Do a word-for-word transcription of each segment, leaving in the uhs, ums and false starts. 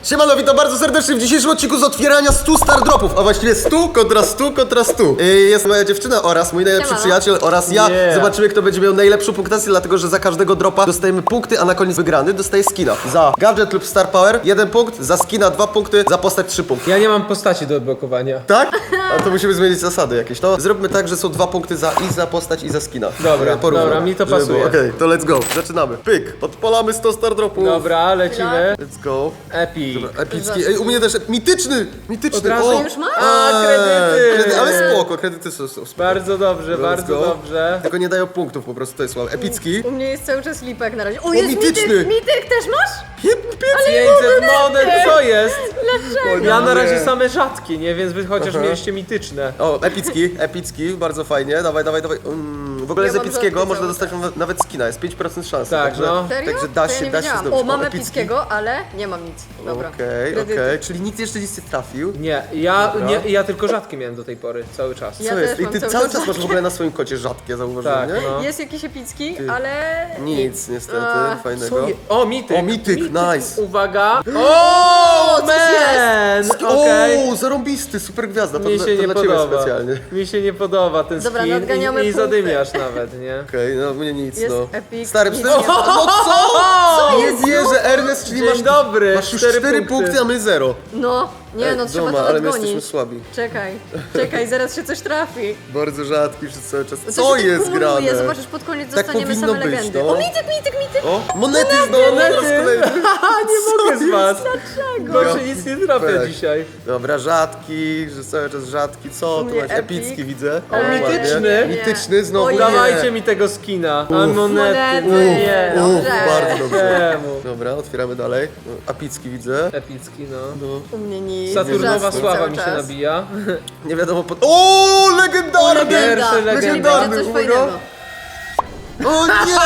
Siemano, witam bardzo serdecznie w dzisiejszym odcinku z otwierania stu star dropów, a właściwie stu kontra stu kontra stu. Yy, jest moja dziewczyna oraz mój najlepszy Siemano. przyjaciel oraz ja. Yeah. Zobaczymy, kto będzie miał najlepszą punktację, dlatego że za każdego dropa dostajemy punkty, a na koniec wygrany dostaje skina. Za gadżet lub star power jeden punkt, za skina dwa punkty, za postać trzy punkty. Ja nie mam postaci do odblokowania. Tak? A to musimy zmienić zasady jakieś. To zróbmy tak, że są dwa punkty za i za postać i za skina. Dobra, Ja porównam, dobra, mi to żeby pasuje. było. Okej, to let's go. Zaczynamy. Pyk, odpalamy sto star dropów. Dobra, lecimy. Let's go. Epic. Epicki. Ej, u mnie też mityczny! Mityczny! Od razu O! już masz? A, Eee, kredyty. kredy, ale spoko, kredyty są, są spoko. Bardzo dobrze, Let's bardzo go. dobrze. Tylko nie dają punktów, po prostu to jest słabe. Epicki. U mnie jest cały czas lipek na razie. O, jest mityczny. mityk! Mityk też masz? Piep, piep. pięćset monet, co jest? Dlaczego? Ja na nie. razie same rzadkie, nie? Więc wy chociaż Aha. mieliście mityczne. O, epicki, epicki, bardzo fajnie. Dawaj, dawaj, dawaj. Mm, w ogóle Ja z mam epickiego rzadkie można cały dostać nawet- nawet skina, jest pięć procent szansy. Tak, także, no. Serio? Także da To ja się, nie da się wiedziałam. zdobyć. O, mam epicki. epickiego, ale nie mam nic. Dobra. Okej, Kredyty. okej, czyli nikt jeszcze nic nie trafił. Nie, ja, Dobra. nie, ja tylko rzadkie miałem do tej pory, cały czas. Ja Co też jest? I mam ty cały cały czas czas masz w ogóle na swoim kocie rzadkie, zauważyłem, Tak, nie? no. Jest jakiś epicki, ale... Nic, niestety, A, fajnego. Co je... O, mityk. O, mityk, nice. Uwaga. O, coś man! Okej. O, zarąbisty, super gwiazda, to, Mi dla- się to nie dla ciebie podoba. specjalnie. Mi się nie podoba ten Dobra, skin nadganiamy i, i punkty. zadymiasz nawet, nie? Okej, no mnie nic, Jest no. epic, Stary, nic przecież... nie ma. No co? Co Nie jest? wierzę, Ernest, czyli Dzień masz... dobry, Masz już cztery cztery punkty. punkty, a my zero. No, nie Ej, no, trzeba doma, to ale my jesteśmy odgonić. słabi. Czekaj, czekaj, zaraz się coś trafi. Bardzo rzadki przez cały czas. To Co się jest kumuluje, grane? Zobaczysz, pod koniec Tak dostaniemy powinno same być, legendy. no. O, mityk, mityk, mityk! O, monety znowu, Monety. monety z kolejny. Nie mogę z was. Dlaczego? Proszę, nic nie trafia Pek. dzisiaj. Dobra, rzadki, że cały czas rzadki. Co? U Tu mnie masz epic. epicki, widzę. O, Ładnie. mityczny. Mityczny, znowu Ojej. nie. Dawajcie mi tego skina. A Uff. monety. Monety. Nie. Uff. Uff, Dobrze. bardzo dobrze. Czemu? Dobra, otwieramy dalej. No, Apicki widzę. Epicki, no. No. U mnie nic. Saturnowa Rzadki sława cały mi się czas. nabija. Nie wiadomo po... O, legendarny! Legenda, Pierwszy czyli będzie legendarny, coś uwaga. fajnego. O nie!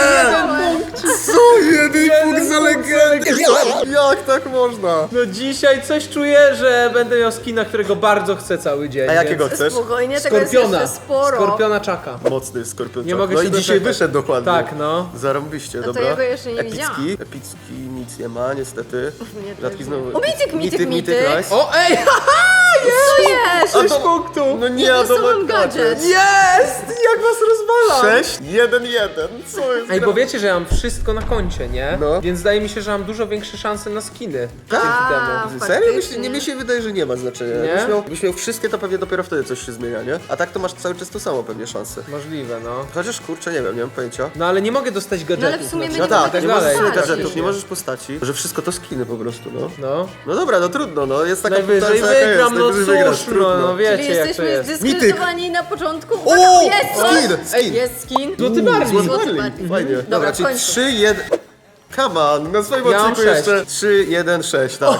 Co? Jeden punkt za legendę! Jak tak można? No dzisiaj coś czuję, że będę miał skina, którego bardzo chcę cały dzień. A jakiego więc- chcesz? Spokojnie, tego jest Skorpiona. jeszcze sporo. Skorpiona czaka. Mocny skorpion. Nie mogę No się i dzisiaj doczekać. wyszedł dokładnie. Tak, no. Zarąbiście, to dobra. ja go jeszcze nie Epicki. widziałam. Epicki nic nie ma, niestety. mnie też Rzadki nie. znowu. O, mityk, mityk, mityk. nice. O, ej! Co jest? A Sześć to- punktów! No nie, Jedno to solo ma gadżet. Jest! Jak was rozwala! sześć, jeden, jeden. Co jest? Ej, bo wiecie, że ja mam wszystko na koncie, nie? No. Więc zdaje mi się, że mam dużo większe szanse na skiny. Tak? Dzięki A, temu. Serio? faktycznie. Myślę, nie, mi się wydaje, że nie ma znaczenia. Nie? Jakbyś miał, jakbyś miał wszystkie, to pewnie dopiero wtedy coś się zmienia, nie? A tak to masz cały czas to samo pewnie szanse. Możliwe, no. Chociaż kurczę, nie wiem, nie mam pojęcia. No ale nie mogę dostać gadżetów. No ale w sumie na my No nie przykład. tak, możemy nie możesz dalej. sobie postaci. gadżetów, nie możesz postaci, że wszystko to skiny po prostu, no. No. No dobra, no trudno, no jest taka Najwyżej punktacja, jaka wygram, jest, no najwyżej wygrasz, cóż, no, trudno. no wiecie Czyli jak to jesteśmy jest. zdyskredytowani na początku. Uwaga, O! jest coś! Skin, Ej, skin. jest skin. Złoty Uuu, Barley. Złoty Złoty Barley, Barley. fajnie. Mhm. Dobra, Dobra, czyli w końcu. trzy, jeden... Come on, na swoim Ja mam odcinku sześć. jeszcze trzy, jeden, sześć, tak.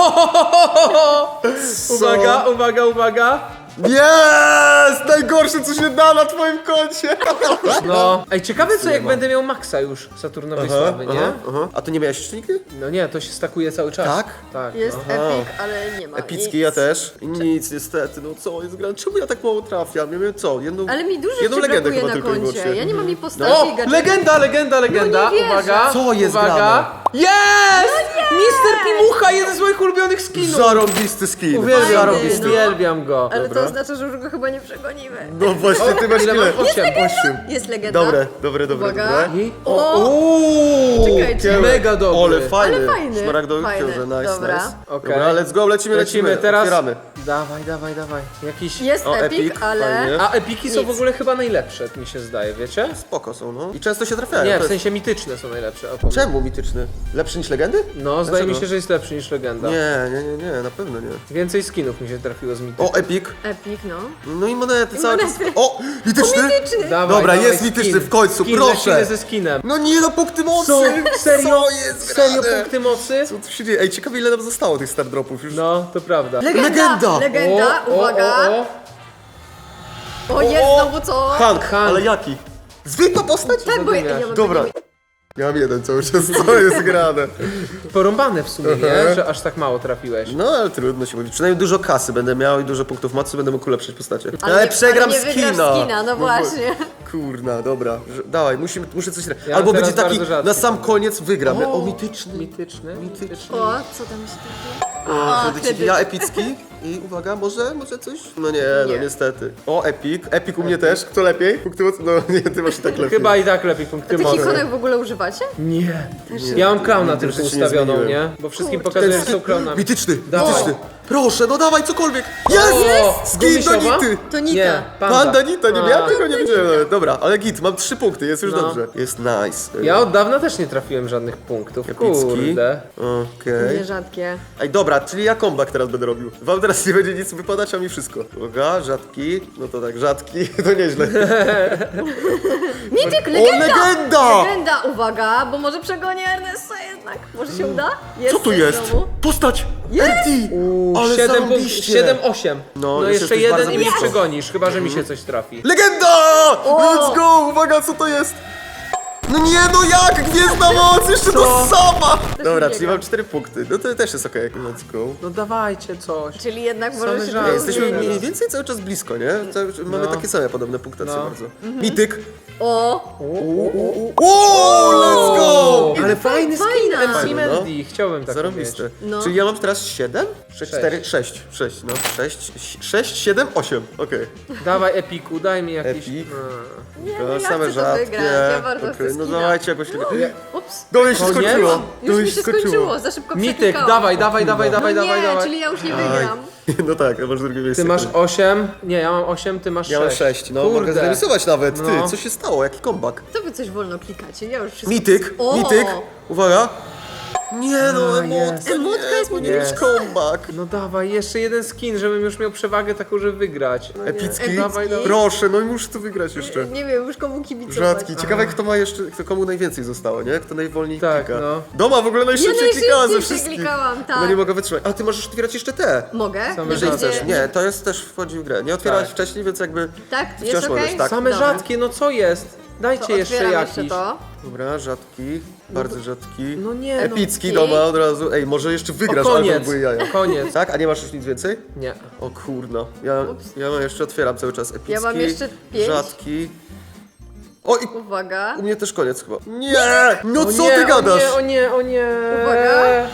Uwaga, uwaga, uwaga. Jest! Najgorsze, co się da na twoim koncie! No. Ej, ciekawe co jak będę miał maksa już Saturnowej sławy, nie? aha, aha. A ty nie miałeś jeszcze nigdy? No nie, to się stakuje cały czas. Tak? Tak. Jest no. epic, ale nie ma Epicki nic. ja też. I nic niestety, no co jest grane? Czemu ja tak mało trafiam? Ja miałem co? Jedną, Ale mi dużo jedną ci legendę brakuje chyba na tylko i koncie. wyłącznie. Ja nie mam jej postaci O! i gadżetów. Legenda, legenda, legenda! No nie wierzę. Uwaga! Co jest uwaga! grane? Jest! mister Pimucha, jeden z moich ulubionych skinów! Zarąbisty skin. Uwielbiam, Zarąbisty, go, no. uwielbiam go. Ale Dobra. to oznacza, że już go chyba nie przegonimy. No właśnie, ty masz Ile ile? mam? Osiem. Osiem. Jest legenda. Dobre, dobre, dobre, Uwaga. dobre. I... O! Uuu, Czekajcie. mega dobry. Ole, fajny. Ale fajny, Szmaragdowy fajny. książę, nice, Dobra. nice. Okej. Dobra, let's go, lecimy, lecimy. Lecimy teraz. Otwieramy. Dawaj, dawaj, dawaj. Jakiś... Jest O, epic, epic, ale... fajnie. A epiki są Nic. w ogóle chyba najlepsze, mi się zdaje, wiecie? Spoko są, no. I często się trafiają. Nie, to w jest- sensie mityczne są najlepsze. O, powiem. Czemu mityczny? Lepszy niż legendy? No, zdaje mi Dlaczego? się, że jest lepszy niż legenda. Nie, nie, nie, nie, na pewno nie. Więcej skinów mi się trafiło z mityków. O, epic. Epic, no. No i monety cały czas. monety. O, mityczny? Mityczny. Dawaj, Dobra, dawaj, jest skin. mityczny w końcu, skin, proszę. Lecimy ze skinem. No nie, no punkty mocy! Co? Serio? Co jest Serio grane? punkty mocy? Co tu się dzieje? Ej, ciekawe ile nam zostało tych star dropów już. No, to prawda. Legenda! Legenda. Legenda, O, o, uwaga. o, o. O, jest O, znowu co? Hank, Hank. ale jaki? Zwykła postać? Tak, bo ja, ja Zadymiasz. mam Dobra. takie- Ja mam jeden cały czas, co jest grane. Porąbane w sumie, nie? Że aż tak mało trafiłeś. No ale trudno się mówi. Przynajmniej dużo kasy będę miał i dużo punktów mocy, będę mógł ulepszyć postacie. Ale, Ale, nie, przegram ale nie skina. wygrasz skina, no bo- właśnie. Kurna, dobra. Że- Dawaj, musimy, muszę coś... Ja Albo mam będzie teraz taki, bardzo rzadki na sam pomysł. koniec wygramy. O, mityczny. Mityczny. Mityczny. O, co tam się takiego? O, A, kredycik. kredyt. Ja epicki. I uwaga, może, może coś? No nie, no Nie. niestety. O, epic. Epic u mnie też. Kto lepiej? Punkty mocy? No nie, ty masz i tak lepiej. Chyba i tak lepiej punkty Tych mocy. ikonek w ogóle używacie? Nie. Ja mam klauna Nigdy tylko w życiu nie ustawioną, zmieniłem. nie? Bo wszystkim Kurczę. pokazuję, że są klaunami. Mityczny, Dawaj. mityczny. Proszę, no dawaj cokolwiek. Jest! O, Skin do gumisiowa? Nity. To Nita. Nie, Panda, panda. Nita, nie A. miałem tego, nie wiedziałem nawet. Dobra, ale git, mam trzy punkty, jest już No. dobrze. Jest nice. Ja od dawna też nie trafiłem żadnych punktów. Epicki. Kurde. Okej. Nierzadkie. Ej, dobra, czyli ja comeback teraz będę robił. Wam teraz nie będzie nic wypadać, a mi wszystko. Uwaga, rzadki. No to tak, rzadki, to nieźle. Mityk, O, legenda! legenda! Legenda, uwaga, bo może przegonię Ernesta jednak. Może się uda? Co tu jest? znowu. Postać! Eddie! Ale siedem punktów, zarąbiście. siedem osiem. No, No, już jeszcze jesteś jeden bardzo i mnie blisko. przegonisz, chyba że mi się coś trafi. Legenda! Let's go! Uwaga, co to jest? No nie, no jak? Gwiezdna moc! Jeszcze to sama! Dobra, nie czyli gra. mam cztery punkty. No to też jest okej. Let's go. No dawajcie coś. Czyli jednak Same może się żarty. to Jesteśmy zmieni. mniej więcej cały czas blisko, nie? Cały, mamy No. takie same podobne punktacje No. bardzo. Mityk! O, O, let's go! O, ale Faj- fajny skin fajna. M C Fajny, no. Mandy, chciałbym tak Zarobiste. mieć. No. Czyli ja mam teraz siedem? sześć, Sześć. cztery, sześć. sześć, no. sześć, sześć, siedem, osiem. Okej. Dawaj Epiku, daj mi jakiś... Epic. Mm. nie, To no ja same chcę to rzadkie. wygrać, ja bardzo Okej, chcę no skina. dawajcie jakoś tego. Ups, Do mnie się Koniec? skończyło. już Do mnie mi się skończyło, za szybko Mityk, przeklikałam. dawaj, dawaj, dawaj, No dawaj, nie, dawaj, dawaj. czyli ja już nie wygram. No tak, to masz drugie miejsce. Ty masz osiem, nie, ja mam osiem, ty masz Ja mam sześć. sześć, no Kurde. mogę zremisować nawet. Ty, No. co się stało? Jaki comeback? To wy coś wolno klikacie, ja już wszystko... Mityk, O! mityk. Uwaga. Nie no, A, emotka, jest. nie, Emotka jest powinien być Jest. comeback. No dawaj, jeszcze jeden skin, żebym już miał przewagę taką, żeby wygrać. No nie. Epicki? Dawaj, dawaj. Proszę, no i muszę to wygrać jeszcze. Nie wiem już komu kibicować. Rzadki. Ciekawe kto ma jeszcze, kto komu najwięcej zostało, nie? Kto najwolniej Tak, klika. no. Doma w ogóle Ja najszybciej klikała ze najszybciej wszystkich. klikałam, tak. No nie mogę wytrzymać. A ty możesz otwierać jeszcze te. Mogę? Same Nie Jeżeli rzadkie. będzie- chcesz. Nie, to jest też wchodzi w grę. Nie otwierałeś Tak. wcześniej, więc jakby Tak? wciąż Jest okej? możesz, tak. Same Dobra. rzadkie, no co jest? Dajcie To jeszcze otwieram jakiś. jeszcze to. Dobra, rzadki, bardzo rzadki. No nie, no. Epicki Ej. doma od razu. Ej, może jeszcze O, wygrasz, ale to koniec, były jaja. koniec. Tak? A nie masz już nic więcej? Nie. O kurno. Ja, Ups. ja mam jeszcze otwieram cały czas epicki. Ja mam jeszcze pięć. Rzadki. O i Uwaga. u mnie też koniec chyba. Nie! No O co nie, ty gadasz? O nie, o nie, o nie. Uwaga.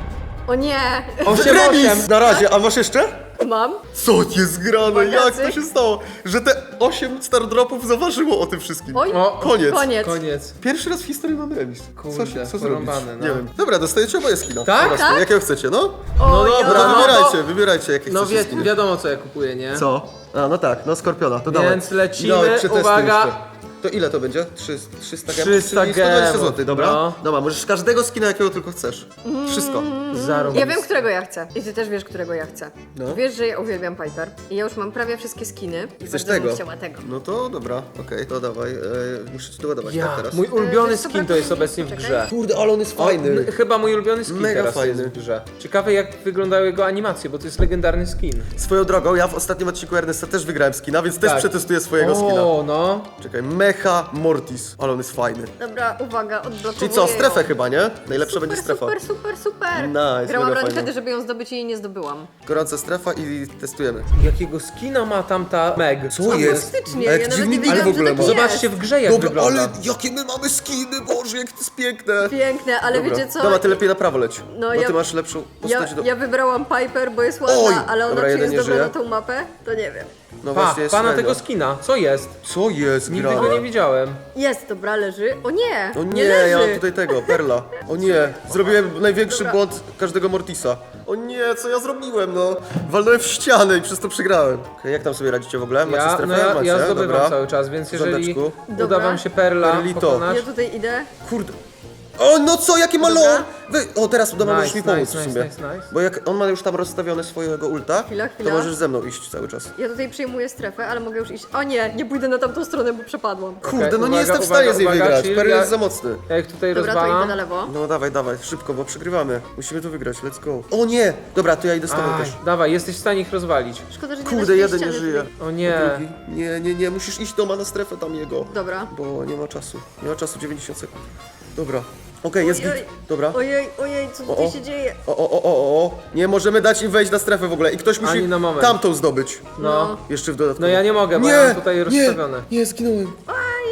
O nie. osiem, Remis! osiem. Na razie, a masz jeszcze? Mam. Co jest grane? Uwaga, Jak to cyk. się stało? Że te osiem stardropów zaważyło o tym wszystkim. Oj. O, Koniec. Koniec. Koniec. Pierwszy raz w historii mamy remis. Co, Kurde, się, co zrobić? porąbane, no. Nie wiem. Dobra, dostajecie oboje skina. Tak? Po prostu. Tak? Jakiego chcecie, no? O, No dobra, Dobra, no wybierajcie, to- wybierajcie jakie No chcecie wie, skiny. wiadomo co ja kupuję, nie? Co? A, no tak, no Skorpiona, to dawaj. Więc lecimy, Dawaj, przetestuj uwaga. jeszcze. To ile to będzie? trzysta, trzysta gemów? trzysta czyli sto dwadzieścia gemów, złotych, dobra? no. Dobra, możesz każdego skina jakiego tylko chcesz. Wszystko. Zarąbiste. Ja wiem, którego ja chcę. I ty też wiesz, którego ja chcę. No. Wiesz, że ja uwielbiam Piper. I ja już mam prawie wszystkie skiny. I Chcesz bardzo tego? bym chciała tego. No to dobra, okej, to dawaj. E, muszę ci doładować, Ja, tak teraz? mój ulubiony wiesz co, skin to brakuje jest mi- obecnie w czekaj. grze. Kurde, ale on jest O, fajny. n- chyba mój ulubiony skin Mega teraz fajny. jest w grze. Ciekawe jak wyglądają jego animacje, bo to jest legendarny skin. Swoją drogą, ja w ostatnim odcinku Ernesta też wygrałem skina, więc też Tak. przetestuję swojego skina. O, no. Czekaj, Mecha Mortis, ale on jest fajny. Dobra, uwaga, odblokowuję Czyli co, ją. strefę chyba, nie? Najlepsza Super, będzie strefa. super, super, super. Nice, Grałam mega run fajnie. wtedy, żeby ją zdobyć i jej nie zdobyłam. Gorąca strefa i testujemy. Jakiego skina ma tamta Meg? Co jest? Faktycznie, A jak ja nawet dziwny nie nick wiedziałam, w ogóle że ma. tak jest. Zobaczcie w grze jak Dobra, wygląda. ale jakie my mamy skiny, Boże, jak to jest piękne. Piękne, ale Dobra. wiecie co? Dobra, ty lepiej na prawo leć, No bo ja- ty masz lepszą Ja, postać do... ja wybrałam Piper, bo jest ładna, Oj! ale ona Dobra, czy jeden jest nie dobra żyje. na tą mapę? To nie wiem. No Pa, właśnie jest pana średnio. tego skina. Co jest? Co jest Nigdy grane? go nie widziałem. Jest, dobra, leży. O nie, O nie, nie, leży. ja mam tutaj tego, Perla. O nie, zrobiłem największy Dobra. błąd każdego Mortisa. O nie, co ja zrobiłem, no? Walnąłem w ścianę i przez to przegrałem. Okej, jak tam sobie radzicie w ogóle? Macie Ja, strefę? no ja, Macie? ja zdobywam Dobra. cały czas, więc W jeżeli rządeczku. uda Dobra. wam się Perla Perlito. pokonać... Ja tutaj idę. Kurde. O, no co, jakie ma Dobra. lore! Wy... O, teraz uda, Nice, możesz mi pomóc nice, w nice, sumie. nice, nice. Bo jak on ma już tam rozstawione swojego ulta, Chwila, chwila. to możesz ze mną iść cały czas. Ja tutaj przejmuję strefę, ale mogę już iść. O nie, nie pójdę na tamtą stronę, bo przepadłam. Kurde, no uwaga, nie jestem w uwaga, stanie z niej uwaga, wygrać. chill, Perl ja- jest za mocny. Ja ich tutaj Dobra, to idę na rozwalam. lewo. No dawaj, dawaj, szybko, bo przegrywamy. Musimy to wygrać, let's go. O nie! Dobra, to ja idę z tobą Aj, też. dawaj, jesteś w stanie ich rozwalić. Szkoda, że nie da Kurde, się tej jeden nie ściany żyje. tutaj. O nie. Drugi. Nie, nie, nie, musisz iść do ma na strefę tam jego. Dobra. Bo nie ma czasu. Nie ma czasu, dziewięćdziesiąt sekund. Dobra. Okej, jest git. Ojej. Dobra. Ojej, ojej, co O, tutaj o. się dzieje? O, o, o, o, o. Nie możemy dać im wejść na strefę w ogóle i ktoś musi Ani na moment. tamtą zdobyć. No. Jeszcze w dodatku. No ja nie mogę, bo Nie, ja mam tutaj nie, rozstawione. nie, zginąłem.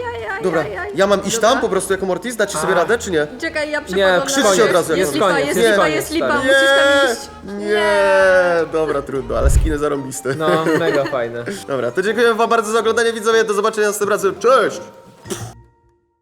Dobra, aj, aj. ja mam iść Dobra. tam po prostu jako Mortis? Dacie sobie A. radę, czy nie? Czekaj, ja Nie, przepadam krzyczcie na... od razu, jak Jest jest lipa, koniec, jest jest lipa, koniec, jest lipa, stary. musisz tam iść. Nie, dobra, trudno, ale skiny zarąbiste. No, mega fajne. Dobra, to dziękuję wam bardzo za oglądanie, widzowie, do zobaczenia następnym razem, cześć!